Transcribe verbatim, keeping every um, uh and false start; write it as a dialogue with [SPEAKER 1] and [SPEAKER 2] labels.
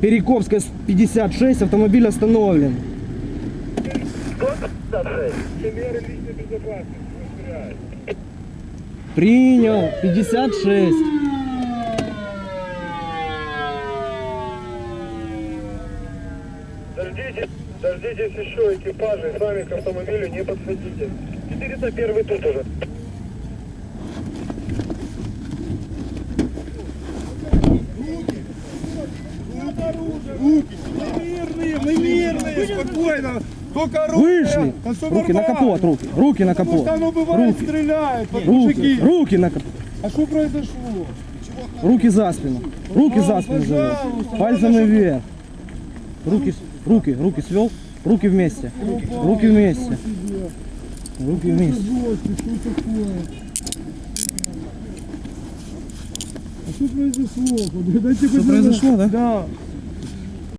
[SPEAKER 1] Перекопская пятьдесят шесть, автомобиль остановлен.
[SPEAKER 2] Меры личной безопасности.
[SPEAKER 1] Принял. пятьдесят шесть.
[SPEAKER 2] Дождитесь, дождитесь еще экипажей, сами к автомобилю не подходите. четыреста один тут уже.
[SPEAKER 3] Руки, мы мирные, мы мирные, спокойно. Только руки.
[SPEAKER 1] Вышли. Руки на капот, руки. Руки на
[SPEAKER 3] Потому
[SPEAKER 1] капот.
[SPEAKER 3] что оно бывает
[SPEAKER 1] Руки.
[SPEAKER 3] стреляет под
[SPEAKER 1] Руки.
[SPEAKER 3] мужики.
[SPEAKER 1] Руки на капот.
[SPEAKER 3] А что произошло?
[SPEAKER 1] Руки за спину. Руки
[SPEAKER 3] А,
[SPEAKER 1] за спину завел.
[SPEAKER 3] пожалуйста,
[SPEAKER 1] Пальцами
[SPEAKER 3] надо,
[SPEAKER 1] вверх. Руки, руки, руки свел. Руки вместе. Руки вместе. Руки вместе.
[SPEAKER 3] Что такое? А что произошло? Дайте
[SPEAKER 1] Что произошло, да?
[SPEAKER 3] Да.